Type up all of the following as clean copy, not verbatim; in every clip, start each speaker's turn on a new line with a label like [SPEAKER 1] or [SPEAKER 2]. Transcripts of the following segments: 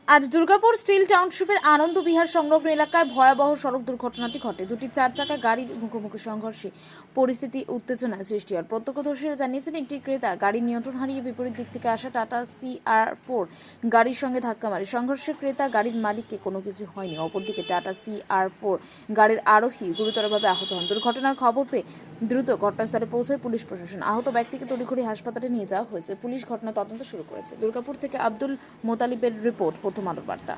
[SPEAKER 1] আজ দুর্গাপুর স্টিল টাউনশিপের আনন্দ বিহার সংলগ্ন এলাকায় ভয়াবহ সড়ক দুর্ঘটনাটি ঘটে। দুটি চার চাকা গাড়ির মুখোমুখি সংঘর্ষে পরিস্থিতি উত্তেজনায় সৃষ্টি হয়। প্রত্যক্ষদর্শীরা জানিয়েছেন, একটি ক্রেতা গাড়ির নিয়ন্ত্রণ হারিয়ে বিপরীত দিক থেকে আসা টাটা CR4 গাড়ির সঙ্গে ধাক্কা মারে। সংঘর্ষে ক্রেতা গাড়ির মালিককে কোনো কিছু হয়নি। অপরদিকে টাটা CR4 গাড়ির আরোহী গুরুতরভাবে আহত হন। দুর্ঘটনার খবর পেয়ে দ্রুত ঘটনাস্থলে পৌঁছায় পুলিশ প্রশাসন। আহত ব্যক্তিকে তড়িঘড়ি হাসপাতালে নিয়ে যাওয়া হয়েছে। পুলিশ ঘটনা তদন্ত শুরু করেছে। দুর্গাপুর থেকে আব্দুল মোতালিবের রিপোর্ট, প্রথম আলোর বার্তা।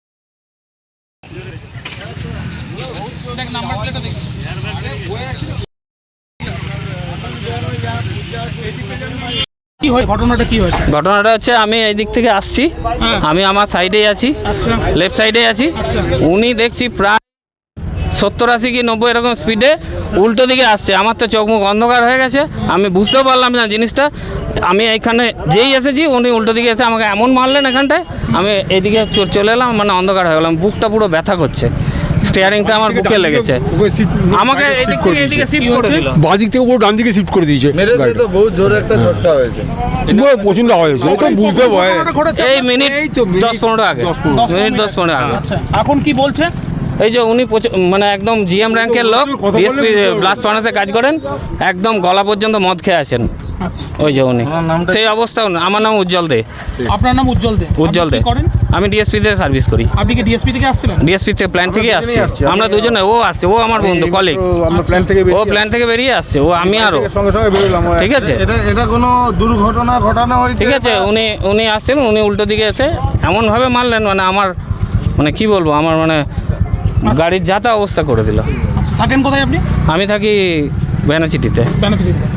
[SPEAKER 2] কি হয় ঘটনাটা কি হয়েছে?
[SPEAKER 3] ঘটনাটা হচ্ছে আমি এই দিক থেকে আসছি, আমি আমার সাইডেই আছি, লেফট সাইডে আছি। উনি দেখছি প্রায় 70-80 কি 90 এরকম স্পিডে উল্টো দিকে আসছে। আমার তো চোখ মুখ অন্ধকার হয়ে গেছে, আমি বুঝতেও পারলাম না জিনিসটা। আমি এইখানে যেই এসেছি উনি উল্টো দিকে এসে আমাকে এমন মারলেন এখানটায়, আমি এইদিকে চলে এলাম, মানে অন্ধকার হয়ে গেলাম। বুকটা পুরো ব্যথা করছে, স্টিয়ারিংটা আমার বুকে লেগেছে। আমাকে এইদিক থেকে এইদিকে শিফট করে দিল,
[SPEAKER 4] বাদিক থেকে পুরো ডান দিকে শিফট করে দিয়েছে।
[SPEAKER 5] তো বহুত জোরে একটা ঝটকা হয়েছে,
[SPEAKER 4] প্রচন্ড আওয়াজ হয়েছে, এটা বুঝতে পারে।
[SPEAKER 3] এই মিনিট 10-15 আগে, মিনিট 10-15 আগে।
[SPEAKER 2] আচ্ছা, এখন কি বলছে?
[SPEAKER 3] এই যে উনি মানে একদম GM র্যাঙ্কের লোক, ডিএসপি ব্লাস্ট ফার্নাসে কাজ করেন, একদম গলা পর্যন্ত মদ খেয়ে আছেন। ওই যে উনি সেই অবস্থা। আমার নাম উজ্জ্বল দে।
[SPEAKER 2] আপনার নাম উজ্জ্বল দে?
[SPEAKER 3] উজ্জ্বল দে। আমি ডিএসপি তে সার্ভিস করি।
[SPEAKER 2] আপনি কি ডিএসপি থেকে আসছিলেন?
[SPEAKER 3] ডিএসপি থেকে প্ল্যান থেকে আসছি আমরা দুজনে। ও আসছে, ও আমার বন্ধু কলিগ,
[SPEAKER 4] আমরা প্ল্যান থেকে
[SPEAKER 3] ও প্ল্যান থেকে বেরিয়ে আসছে, ও আমি আরো
[SPEAKER 4] সঙ্গে সঙ্গে বেরোলাম।
[SPEAKER 3] ঠিক আছে,
[SPEAKER 5] এটা কোনো দুর্ঘটনা ঘটানো হয়েছে?
[SPEAKER 3] ঠিক আছে। উনি আসছেন, উনি উল্টো দিকে এসে এমনভাবে মারলেন, মানে আমার মানে কি বলবো, আমার মানে গাড়ির যাতা অবস্থা করে দিল।
[SPEAKER 2] থাকেন কোথায় আপনি?
[SPEAKER 3] আমি থাকি বেনাচিটিতে।